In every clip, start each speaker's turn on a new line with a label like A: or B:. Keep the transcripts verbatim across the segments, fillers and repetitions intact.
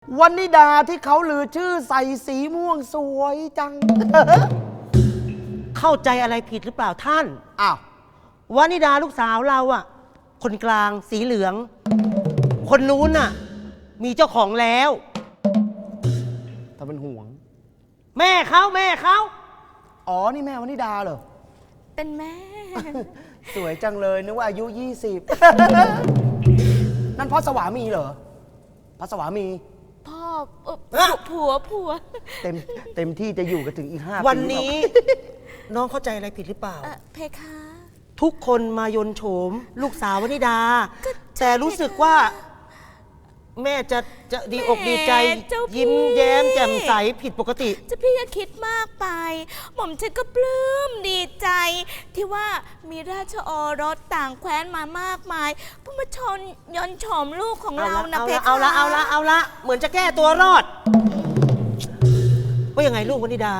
A: วันนิดาที่เขาลือชื่อใส่สีม่วงสวยจัง
B: เข้าใจอะไรผิดหรือเปล่าท่าน
A: อ้าว
B: วานิดาลูกสาวเราอะคนกลางสีเหลือง คนนู้นน่ะ มีเจ้าของแล้ว
A: ทำเป็นห่วง
B: แม่เขาแม่เขา
A: อ๋อ นี่แม่วันนิดาเหรอ
C: เป็นแม่
A: สวยจังเลยนึกว่าอายุยี่สิบ นั่นพ่อสวามีเหรอพ่อสวามี
C: พ่อเอ่อผัวผัว
A: เต็มเต็มที่จะอยู่กันถึงอีกห้าปี
B: วันนี้ น้องเข้าใจอะไรผิดหรือเปล่า
C: เอ่อเพคะ
B: ทุกคนมายนโฉม ลูกสาววนิดา
C: ก็ใช่
B: แต่รู้สึกว่า แม่จะจะดีอกดีใจ
C: เจ้าพี่
B: ยิ้มแย้มแจ่มใสผิดปกติ
C: เจะพี่อย่าคิดมากไป หม่อมฉันก็ปลื้มดีใจ ที่ว่ามีราชโอรสต่างแคว้นมามากมายเพื่อมาชนยนต์โฉมลูกของ
B: เอา
C: เรา
B: ละ
C: นะ
B: เอา
C: เพ
B: ละ
C: คะ
B: เอาละเอาละเอาละเหมือนจะแก้ตัวรอด ว่ายังไงลูกวนิดา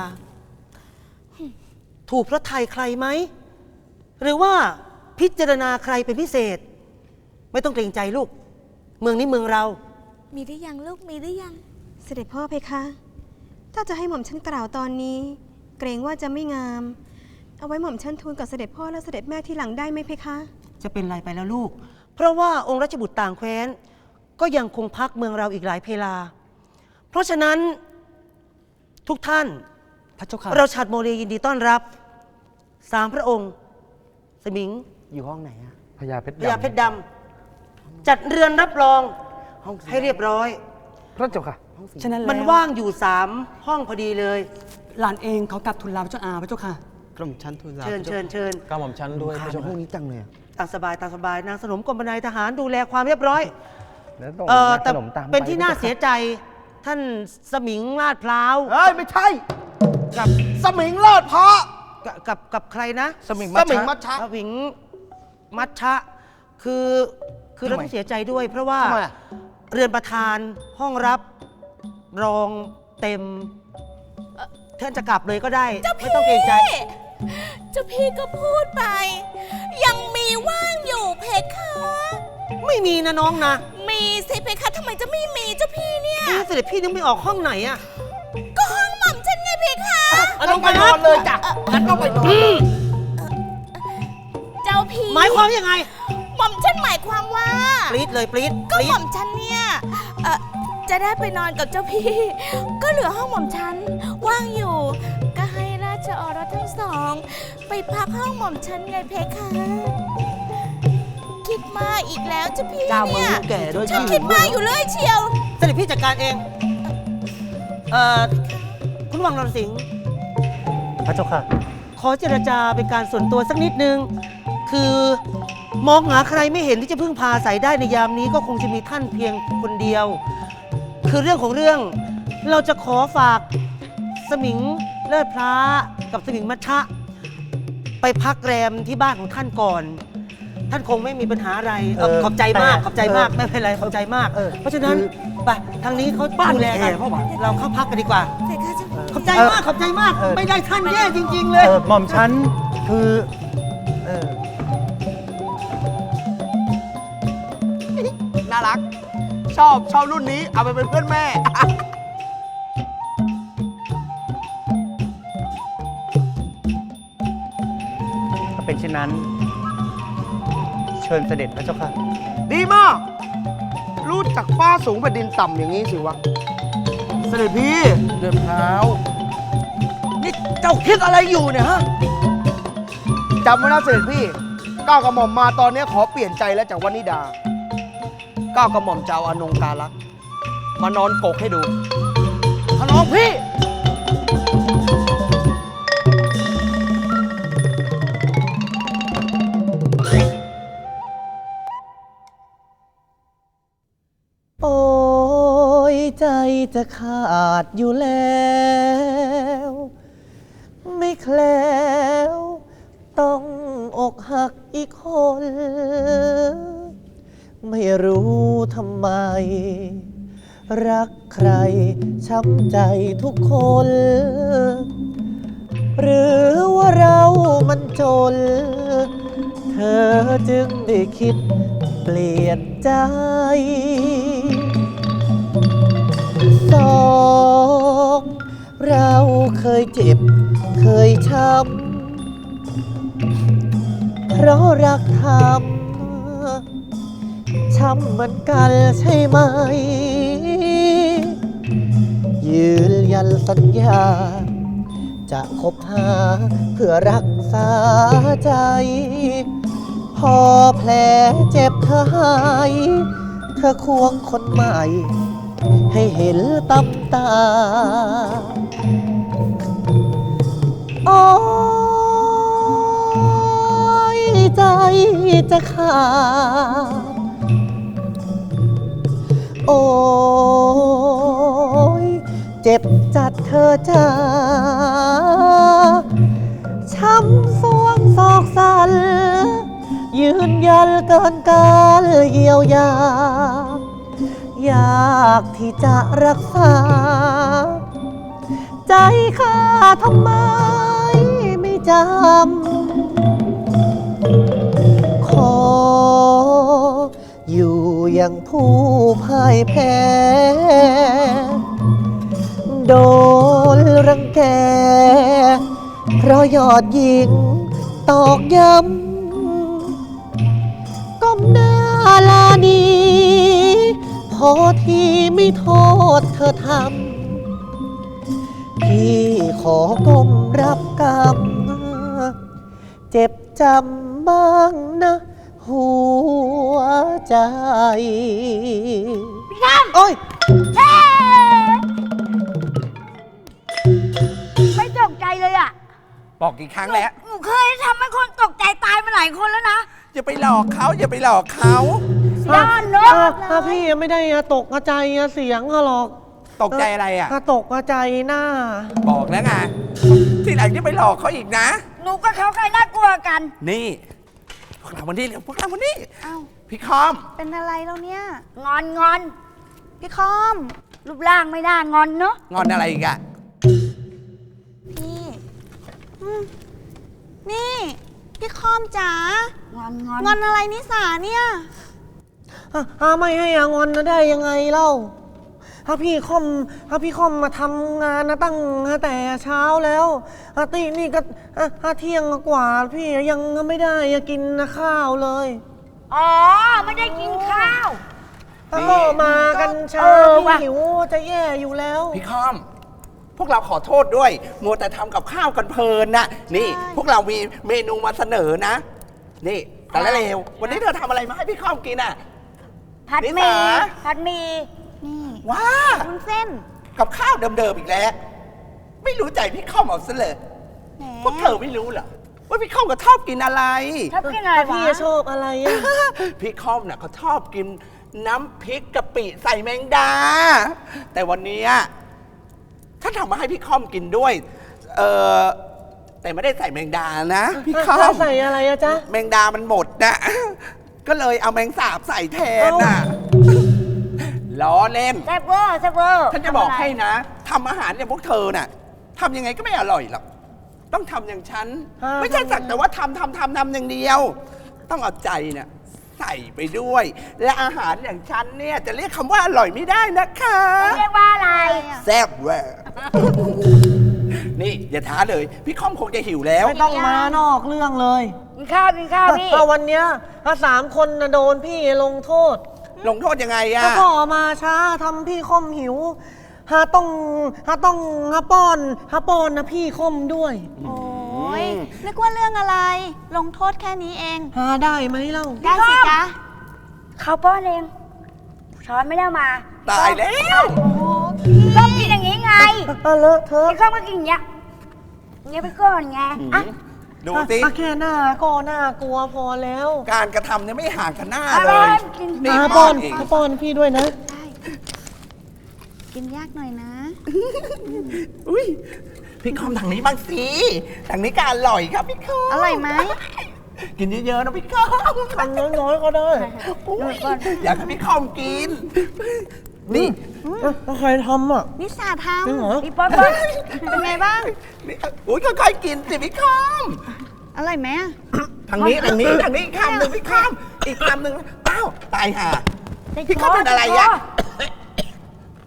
B: ถูกพระไทยใครไหม หรือว่าพิจารณาใครเป็นพิเศษ ไม่ต้องเกรงใจลูก เมืองนี้เมืองเรา
C: มีหรือยังลูกมีหรือยัง
D: เสด็จพ่อเพคะ ถ้าจะให้หม่อมฉันกล่าวตอนนี้ เกรงว่าจะไม่งาม เอาไว้หม่อมฉันทูลกับเสด็จพ่อและเสด็จแม่ที่หลังได้ไหมเพคะ
B: จะเป็นไรไปแล้วลูก เพราะว่าองค์ราชบุตรต่างแคว้น ก็ยังคงพักเมืองเราอีกหลายเพลา เพราะฉะนั้นทุกท่าน
A: พระเจ้าค่ะ
B: เราฉัดโมรียินดีต้อนรับ สามพระองค์ สมิง
A: อยู่ห้องไหนอะ
E: พญาเพชร
B: พญาเพชรดำ จัดเรือนรับรอง
A: ห้องสี
B: ให้เรียบร้อย
E: พระเจ้าค่ะ
A: ห้องสี
F: ฉะนั้น
B: มัน
F: แล้ว
B: ว่างอยู่สามห้องพอดีเลย
F: หลานเองเขากลับทุนลาพระเจ้าอาพระเจ้าค่ะ
A: กรมชั้นทูลลา
B: เชิญเชิญเชิญ
E: ก้าวหม่อมชั้นด้วย
A: ข้า
E: พระ
A: จะ
E: เจ้า
A: ห้
E: ค่ะ
A: องนี้จังเลยอะ
B: ตามสบายตามสบายนางสนมกรมนายทหารดูแลความเรียบร้อย
E: แล้วต้อง
B: เออ
E: นัก
B: แต่
E: ขนมตาม
B: เป็นที่น่า
E: พระ
B: เสีย
E: จ้าค่ะ
B: ใจ ท่านสมิงลาดพร้าว
A: เฮ้ย ไม่ใช่
B: กับ
A: สมิงเลิศเพราะ
B: กับกับกับใครนะ
E: สมิง
A: ส
E: มัช
A: มิง
E: ชะ
A: มัชชะ
B: สมิงมัชชะ คือคือเรา
E: ทำไม
B: ต้องเสียใจด้วย เพราะว่า
A: ทำไมอะ
B: เรือนประธานห้องรับรองเต็มเอ่อท่านจะกลับเลยก็ได้ ไม่ต้องเกรงใจ
C: เจ้าพี่ก็พูดไป ยังมีว่างอยู่เพคะ
B: ไม่มีนะน้องนะ
C: มีสิเพคะทำไมจะไม่มีเจ้าพี่เนี่ย
B: นี่เสด็จพี่นึกไม่ออกห้องไหนอะ
C: ก็ห้องหม่อมฉันไงเพคะ
B: เอา
A: ต้องไปนอนเลยจ้ะงั้นต้องไปนอนเลย
C: เจ้าพี่
B: หมายความยังไง
C: หม่อมฉันหมายความว่า
B: ปรี๊ดเลยปรี๊ด
C: ก็
B: ปรี๊
C: หม่
B: ด
C: อมฉันเนี่ยเอ่อจะได้ไปนอนกับเจ้าพี่ ก็เหลือห้องหม่อมฉันว่างอยู่ ก็ให้ราชโอรสทั้งสอง ไปพักห้องหม่อมฉันไงเพคะ คิดมากอีกแล้วเจ้าพี่
A: เจ้าเมือง
C: เนี่ย
A: ลูกแก่ด้วย
C: ฉันคิดมากอยู่เลยเชียว
B: เสด็จพี่จัดการเอง เอ่อ คุณวังนรสิงห์
E: พระเจ้าค่ะ
B: ขอเจรจาเป็นการส่วนตัวสักนิดนึง คือมองหาใครไม่เห็นที่จะพึ่งพาอาศัยได้ในยามนี้ก็คงจะมีท่านเพียงคนเดียว คือเรื่องของเรื่อง เราจะขอฝากสมิงเลิศพระกับสมิงมัชชะ ไปพักแรมที่บ้านของท่านก่อน ท่านคงไม่มีปัญหาอะไรเอ่อ
A: เออ
B: ขอบใจมาก
A: แต่
B: ขอบใจมาก
A: เออ
B: ไม่เป็นไรขอบใจมาก
A: เออ
B: เพราะฉะนั้น
A: คือ
B: ไปทางนี้เขา
A: บ้าน
B: ดูแลกัน
A: แอร์เข้ามา
B: เราเข้าพักกันดีกว่า
C: เพคะเจ้าพี่
B: ขอบใจมากขอบใจมาก
E: เออ
B: ไม่ได้ท่านแย่จริง ๆ เลย
E: เออหม่อมชั้นคือเออ
A: น่ารัก ชอบชอบรุ่นนี้ เอาไปเป็นเพื่อนแม่
E: ถ้าเป็นเช่นนั้น เชิญเสด็จพระเจ้าค่ะ
A: ดีมาก รู้จักฟ้าสูงแผ่นดินต่ำอย่างนี้สิวะ เสด็จพี่
E: เดือดเท้า
A: นี่เจ้าคิดอะไรอยู่เนี่ยฮะจำไว้นะเสด็จพี่ก้าวกระหม่อมมาตอนนี้ขอเปลี่ยนใจแล้วจากวนิดาก้าวกระหม่อมจะเอาอนงกาลักษณ์มานอนกกให้ดูขนองพี่
B: โอ้ยใจจะขาดอยู่แล้ว ไม่แคล้วต้องอกหักอีกคน ไม่รู้ทำไม รักใครช้ำใจทุกคน หรือว่าเรามันจน เธอจึงได้คิดเปลี่ยนใจยเจ็บ เคยช้ำ เพราะรักทำช้ำเหมือนกันใช่ไหม ยืนยันสัญญา จะคบหาเพื่อรักษาใจ พอแผลเจ็บเธอหาย เธอควงคนใหม่ ให้เห็นตำตา โอ้ยใจจะขาด โอ้ยเจ็บจัดเธอจ้าช้ำสวงศอกสัน ยืนยันเกินการเยียวยา อยากที่จะรักษา ใจข้าทำไมไม่จำ ขออยู่อย่างผู้พ่ายแพ้ โดนรังแก เพราะยอดหญิงตอกย้ำก้มหน้าลานีพอที่ไม่โทษเธอทำ พี่ขอก้มรับกรรม เจ็บจำบ้างนะหัวใจ
C: พี่ข้าม
B: โอ้ย
C: ไม่ตกใจเลยอ่ะ
G: บอกกี่ครั้งแล้ว
C: หนูเคยทำให้คนตกใจตายมาหลายคนแล้วนะ
G: อย่าไปหลอกเขาอย่าไปหลอกเขา
C: ด้านนก
B: อ่ะถ้าพี่ไม่ได้ตกใจเสียงหรอก
G: ตกใจอะไรอ่ะ
B: ถ้าตกใจหน้า
G: บอกแล้วไงที่หลังจะไปหลอกเขาอีกนะ
C: หนูกับเขาใครน่ากลัวกัน
G: นี่พวกเราวันนี้เร็วพวกเราวันนี้
C: เอ้า
G: พี่คอม
C: เป็นอะไรแล้วเนี่ย งอนงอน พี่คอม รูปร่างไม่น่างอนเนาะ
G: งอนอะไรอีกอะ
C: พี่อืมนี่ พี่คอมจ๋างอนงอนงอนอะไรนิสาเนี่ย
B: อ่ะไม่ให้อางอนนะได้ยังไงเล่า ถ้าพี่คอมถ้าพี่คอมมาทำงานนะตั้งแต่เช้าแล้วอาตีนี่ก็อ่ะอ่ะเที่ยงกว่าพี่ยังไม่ได้กินข้าวเลย
C: อ๋อ ไม่ได้กินข้าว
B: ถ้าก็มากันช้า
C: เออ
B: พี่
C: ว่ะ
B: หิวจะแย่อยู่แล้ว
G: พี่คอม พวกเราขอโทษด้วยมัวแต่ทำกับข้าวกันเพลินนะนี่ พวกเรามีเมนูมาเสนอนะ นี่แต่ละเลววันนี้เธอทำอะไรมาให้พี่คอมกินอ่ะ
C: ผัด
G: นิ
C: หมี่
G: สา
C: ผัดหมี่นี่
G: ว้า
C: วุ้นเส้น
G: กับข้าวเดิมๆอีกแล้ว ไม่รู้ใจพี่คอมเอาซะเลย
C: แหม
G: พวกเธอไม่รู้เหรอว่าพี่คอมก็ชอบกินอะไร
C: ชอบกินอะไร
B: พี่
C: วะ
B: ชอบอะไรอ่ะ
G: พี่คอมน่ะเขาชอบกินน้ำพริกกะปิใส่แมงดา แต่วันนี้ถ้าทำมาให้พี่คอมกินด้วย เออแต่ไม่ได้ใส่แมงดานะพี่คอม
B: ใส่อะไรอะจ๊ะ
G: แมงดามันหมดนะก็เลยเอาแมงสาบใส่แทนน่ะล้อเล่น
C: แซ่บเวอร์แซ่บเวอร์
G: ท่านจะบอกให้นะทำอาหารเนี่ยพวกเธอน่ะทำยังไงก็ไม่อร่อยหรอกต้องทำอย่างฉัน
B: อ่า
G: ไม่ใช่สักแต่ว่าทำทำทำทำอย่างเดียว ต้องเอาใจเนี่ยใส่ไปด้วย และอาหารอย่างฉันเนี่ยจะเรียกคำว่าอร่อยไม่ได้นะคะ
C: เรียกว่าอะไร
G: แซ่บเวอร์นี่อย่าท้าเลย พี่คอมคงจะหิวแล้ว
B: ไม่ต้องมานอกเรื่องเลย
C: กินข้าวกินข้าวพี่
B: เอาวันเนี้ยถ้าสามคนนะโดนพี่ลงโทษ
G: ลงโทษยังไงอะ
B: ถ้าพ่อมาช้าทำพี่คอมหิวหาต้องหาต้องหาป้อนหาป้อนนะพี่คอมด้วย
C: โอ้ยนึกว่าเรื่องอะไร ลงโทษแค่นี้เอง
B: หาได้ไหมเล่า
C: ได้สิจ๊ะเขาป้อนเองช้อนไม่ได้เอามา
G: ตายแล้ว
C: ก็กินอย่างนี้ไง
B: อ่ะเลอะเธอะ
C: พี่ข้าวก็กินอย่างเงี้ยอย่างเงี้ยไปก่อนไงอ่ะ
G: ดูสิ
B: อ่ะแค่หน้าก็น่ากลัวพอแล้ว
G: การกระทำเนี่ยไม่ห่างกันหน้า
C: เอา
G: เล
C: เลย
G: ย
C: กิน
G: นี่
B: หา
G: ป้
B: ป้
G: อ
B: อน น
G: เอง
B: หาป้อนพี่ด้วยนะ
C: ได้กินยากหน่อยนะ
G: อุ้ยพี่คอมทางนี้บ้างสิทางนี้ก็อร่อยครับพี่คอม
C: อร่อยไหม
G: กินเยอะๆนะพี่คอม
B: ทำน้อยๆก็ได้
G: อุ๊ยอยากให้พี่คอมกิน นี่
B: อ่ะแล้วใครทำอ่ะ
C: นิสาท
B: จริงเหรอ
C: ำพี่ป๊อปป๊อปเป็นไงบ้าง
G: นี่อุ้ยค่อยๆกินสิพี่คอม
C: อร่อยไหมอะ
G: ทางนี้ทางนี้ทางนี้อีกคำหนึ่งพี่คอมอีกคำหนึ่งอ้าวตายห่าพี่คอมเป็นอะไรอ่ะ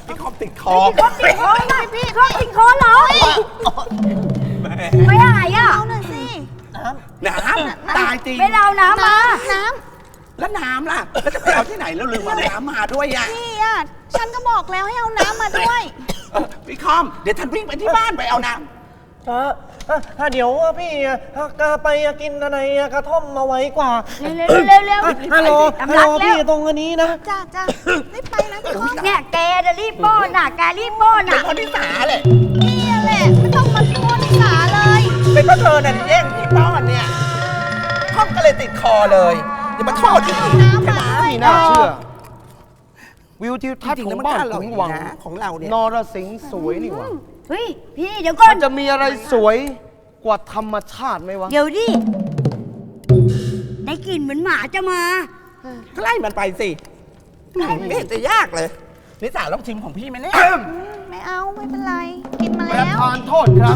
G: พี่คอมติดคอ
C: พี่ติดคอหน่อยพี่เขาติดคอเหรอไม่หายอ่ะเอาหน่อยสิ
G: น้ำตายจริง
C: ไม่เอาน้ำมาน้
G: แล้วน้ำล่ะแล้วจะไปเอาที่ไหนแล้วลืมเอาน้ำมาด้วยอ่ะ
C: ำพี่อ่ะฉันก็บอกแล้วให้เอาน้ำมาด้วย
G: เออพี่คอมเดี๋ยวฉันวิ่งไปที่บ้านไปเอาน้ำ
E: ถ้าเดี๋ยวพี่ก็ไปกินอะไรกระท่อมมาไว้กว่า
C: เร็วเร็วเร็ว
E: ฮัลโหลฮัลโหลพี่ตรงอันนี้นะ
C: จ้าจ้ารีบไปนะพี่คอมเนี่ยแกจะรีบป้อนน่ะแกรีบป้อน
G: เป็น
C: น่ะ
G: คนที่สาเลย
C: นี่แหละไม่ต้องมาป้อนสาเลย
G: เป็นเพราะเธอน่ะที่แย่งพี่ป้อนเนี่ยคอมก็เลยติดคอเลยอย่ามาโทษที่พี่ใช่ไหม
A: ไม่น่าเชื่อ วิวทิวทัศน์
G: จริง
A: ข
G: ๆ
A: อง
G: แล้วมัน
A: บ้าน
G: บ้านเรา
A: ขุน
G: อีก
A: วัง
G: นะของเราเนี่ย
A: นรสิงห์สวยนี่หว่า
C: เฮ้ยพี่เดี๋ยวก่อ
A: มัน นจะมีอะไรสวยกว่าธรรมชาติไหมวะ
C: เดี๋ยวดิได้กลิ่นเหมือนหมาจะมา
G: ก็ไล่มันไปสิไม่เห็นจะยากเลยนิสาลองชิมของพี่ไหมเนี่ย
C: ไม่เอาไม่เป็นไรกินมา
A: ประ
C: แล้ว
A: ธานโทษครับ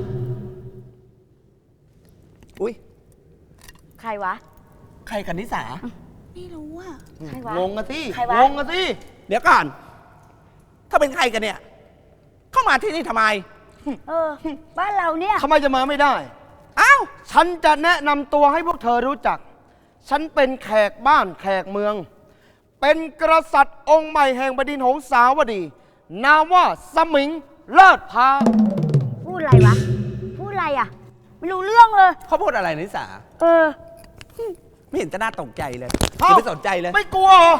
G: อุ้ย
C: ใครวะ
G: ใครกันนิสา
C: ไม่รู้อ่ะใครวะ
A: งงกันที่
C: ใครวะ
A: งงกันที่
G: เดี๋ยวก่อน ถ้าเป็นใครกันเนี่ย เข้ามาที่นี่ทำไม
C: เออ บ้านเราเนี่ย
A: ทำไมจะมาไม่ได้
G: อ้าว
A: ฉันจะแนะนำตัวให้พวกเธอรู้จัก ฉันเป็นแขกบ้านแขกเมือง เป็นกษัตริย์องค์ใหม่แห่งบดินทร์หงสาวดี นามว่าสมิงเลิศพา
C: พูดอะไรวะ พูดอะไรอ่ะ ไม่รู้เรื่องเลย
G: เขาพูดอะไรนิสา
C: เออ
G: ไม่เห็นจะน่าตกใจเลย
A: เอ้า
G: อย่าไปสนใจเลย
A: ไม่กลัวเหรอก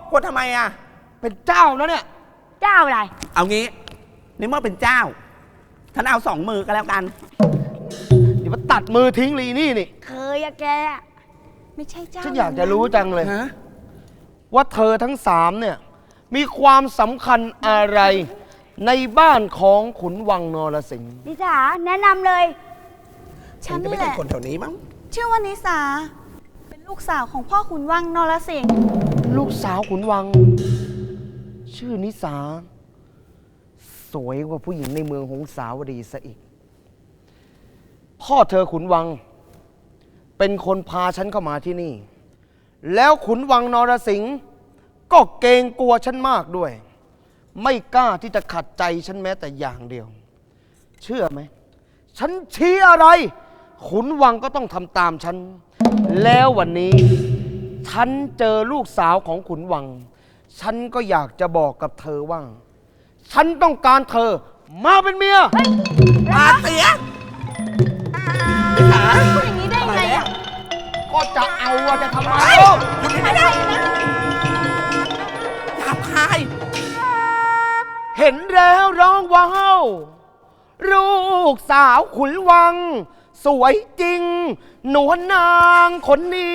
G: ลัวทำไมอ่ะ
A: เป็นเจ้านะเนี่ย
C: เจ้าอะไร
G: เอางี้ในเมื่อเป็นเจ้าท่านเอาสองมือก็แล้วกัน
A: เดี๋ยวมาตัดมือทิ้งลีนี่นี่
C: เคยอะแกอะไม่ใช่เจ้า
A: ฉันอยากจะรู้จังเลย
G: ฮะ
A: ว่าเธอทั้งสามเนี่ย มีความสำคัญอะไรในบ้านของขุนวังนรสิงห์
C: นิสาแนะนำเลย
G: ฉันจะไม่ใช่คนแถวนี้มั้ง
H: ชื่อว่านิสา เป็นลูกสาวของพ่อขุนวังนรสิงห์
A: ลูกสาวขุนวัง ชื่อนิสา สวยกว่าผู้หญิงในเมืองหงสาวดีซะอีก พ่อเธอขุนวัง เป็นคนพาฉันเข้ามาที่นี่ แล้วขุนวังนรสิงห์ก็เกรงกลัวฉันมากด้วย ไม่กล้าที่จะขัดใจฉันแม้แต่อย่างเดียว เชื่อไหม ฉันชี้อะไร ขุนวังก็ต้องทำตามฉัน แล้ววันนี้ ฉันเจอลูกสาวของขุนวัง ฉันก็อยากจะบอกกับเธอว่า ฉันต้องการเธอมาเป็นเมีย
G: ปาเสียนิสา
H: พูดอย่างนี้ได้ไงอ่ะ
A: ก็จะเอาอะจะทำไม
G: เฮ้ย
A: เล่า
G: คุณไม่ได้นะหยาบคาย
A: เห็นแล้วร้องว้าวลูกสาวขุนวัง สวยจริง หนวลนางคนนี้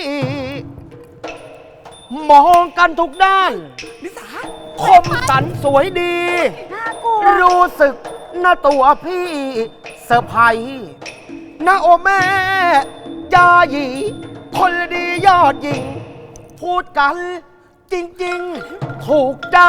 A: มองกันทุกด้าน
G: นิสา
A: คมสันสวยดี
C: น่ากลัว
A: รู้สึกหน้าตัวพี่เซอร์ไพรส์นะโอแม่ยาหยีคนดียอดหญิง พูดกันจริงๆ ถูกใจ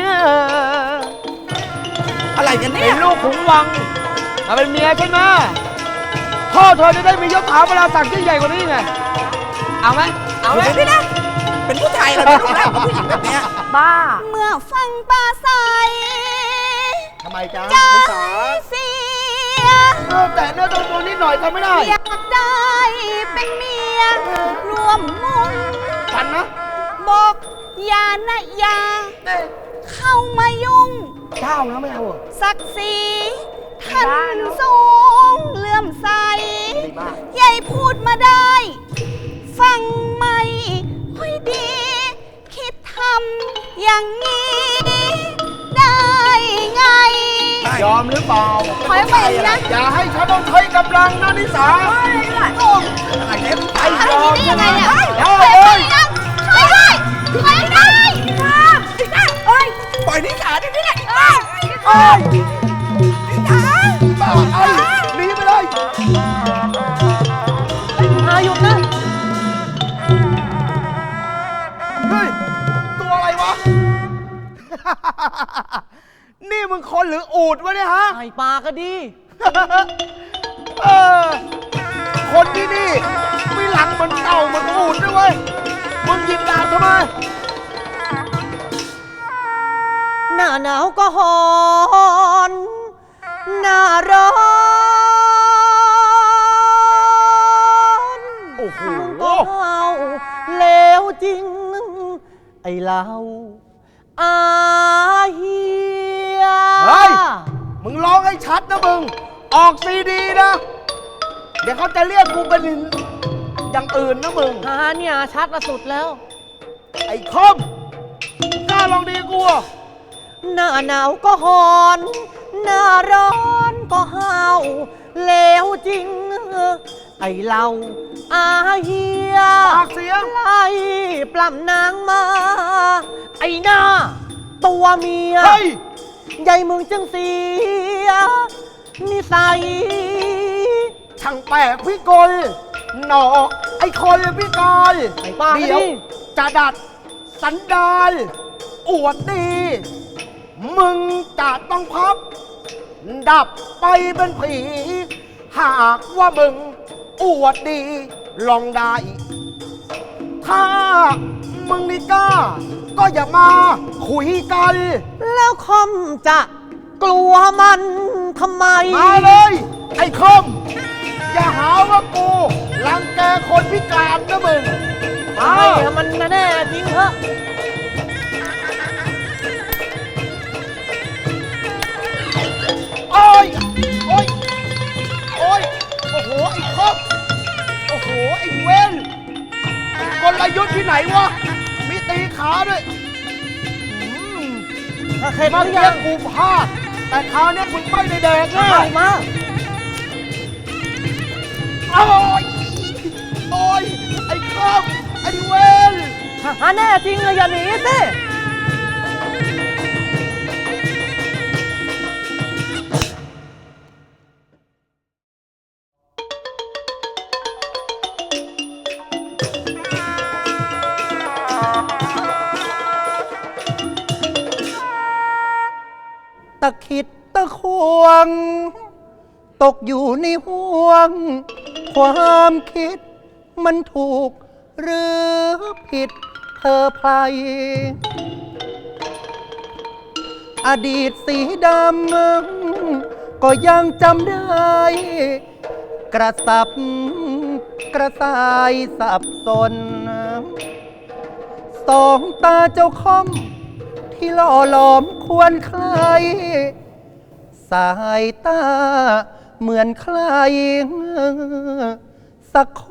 G: อะไรกันเนี่
A: เป็
G: ย
A: นลูกขุนวังมาเป็นเมียใช่ไหมพ่อเธอจะได้มียศถาบรรดาศักดิ์ที่ใหญ่กว่านี้ไง เอาไหมเอาไหม
G: เดี๋ยวนะเป็นผู้ชายเหรอไม่รู้แล้วผู้หญิงแบบเนี้ย
C: บ้า
H: เมื่อฟังปลาใส
A: ทำไมจ๊ะ
H: ใจ
A: นิสา
H: เสีย
A: เออแต่เนื้อตัวตัวนิดหน่อยทำไม่ได้
H: อยากได้เป็นเมียรวมมุง
A: ฉันนะ
H: บอกอย่านะอย่า
A: เอ๊ะ
H: เข้ามายุ่ง
A: เจ้านะไม่เอาเหรอ
H: ศักดิ์ศรีท่านสูงเลื่อมใส
A: ดีมาก
H: ยายพูดมาได้ ฟังไม่ค่อยดี คิดทำอย่างนี้ได้ไง
A: ยอมหรือเปล่า
H: ขอให้ไปนะ
A: อย่าให้ฉันต้องใช้กำลังนะนิสา
H: โอ้
G: อะไรเนี่ย
A: ไอ้ยอม
H: ทำอย่างนี้ได้ยังไงเนี่ย
A: ได้เลย
H: ช่วยด้วยช่วยด้วยครับ
G: เอ้ยปล่อยนิสาดิเนี่ย
A: เอ้ยนิสาบ้าไอ้หนีไปเลย
B: อาหยุดนะ
A: เฮ้ย ตัวอะไรวะ นี่มึงคนหรืออูดวะเนี่ยฮะ
B: ไอปลาก็ดี
A: เออ คนที่นี่มีหลังเหมือนเต่าเหมือนอูดด้วยเว้ย มึงหยิบดาบทำไม
B: ในน้าหนาวก็หอนหน้าร้อน
A: โอ้โห
B: ก็เอาแล้วจริง ไอ้เราอาเฮีย
A: เฮ้ย มึงร้องให้ชัดนะมึง ออกซีดีนะ เดี๋ยวเขาจะเรียกกูเป็นอย่างอื่นนะมึง
B: หาเนี่ยชัดละสุดแล้ว
A: ไอ้คอมกล้าลองดีกูอ่ะ
B: หน้าหนาวก็หอนหน้าร้อนก็ห้าวแล้วจริง ไอ้เราอาเฮีย
A: ปากเสียง
B: ไล่ปล้ำนางมา ไอ้หน้าตัวเมีย
A: เฮ้ย
B: ใหญ่มึงจึงเสียนิสัย
A: ช่างแปลกพิกลหนอไอ้คนพิกล
B: ไอ้บ้า
A: เดี๋ยว
B: ดิ
A: จะดัดสันดานอวดดี มึงจะต้องพับ ดับไปเป็นผี หากว่ามึงอวดดี ลองได้ ถ้ามึงนี่กล้า ก็อย่ามาคุยกัน
B: แล้วคอมจะกลัวมันทำไม
A: มาเลย ไอ้คอม อย่าหาว่ากูรังแกคนพิการนะมึง
B: ให้มันแน่จริงเถอะ
A: โอ้ย โอ้ย โอ้ย โอ้โห ไอ้คอม โอ้โห ไอ้เวนกลยุทธ์ที่ไหนวะ มีตีขาด้วยอืม
B: ถ้าเข็ดห
A: เมื่อ
B: รือ
A: กี้
B: ยัง
A: กูพลาด แต่คราวเนี้ยมึงไม่ได้แดกแน่
B: เอามา
A: โอ้ย โอ้ย ไอ้คอม ไอ้เวน
B: หาแน่จริงเลยอย่าหนีสิ ตะขิดตะควง ตกอยู่ในห่วง ความคิดมันถูกหรือผิดเธอไพรอดีตสีดำก็ยังจำได้ กระสับกระส่ายสับสน สองตาเจ้าคอม ที่หล่อหลอมควรใคร สายตาเหมือนใคร สักคน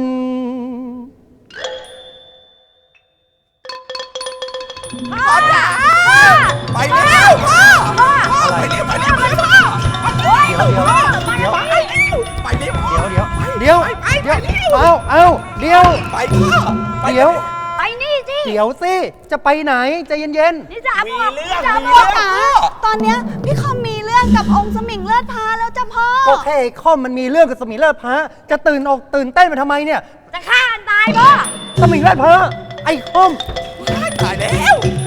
G: พ่อจ๋าไปแล้วพ่อไปเร็วไปเร็วไปเร็วพ่อเฮ้ยพ่อไปเร็วไปเร็วพ่อ
B: เดี๋ยวเดี๋ยว
G: ไปไป
B: เดี๋ยว
G: ไปเร็ว
B: เอาเอาเดี๋ยว
G: ไปพ่อไป
B: เดี๋ยว
H: ไปนี่สิ
B: เดี๋ยวสิ จะไปไหนใจเย็น
H: นี่จ๋า
G: มี
H: พ่อ
G: เรื่อง
H: จ๋า
G: มี
H: พ่อ
G: เรื่อง
H: จ๋า
G: พ่อ
H: ตอนเนี้ยพี่คอมมีเรื่องกับองค์สมิงเลือดพาแล้วจ้ะพ่อ
B: ๆ ก็แค่ไอ้ข้อมมันมีเรื่องกับสมิงเลิศพระจะตื่นอกตื่นเต้นมาทำไมเนี่ย
H: จะฆ่ากันตายพ่อ
B: สมิงเลิศพระไอ้ข้อม
G: ตายแล้ว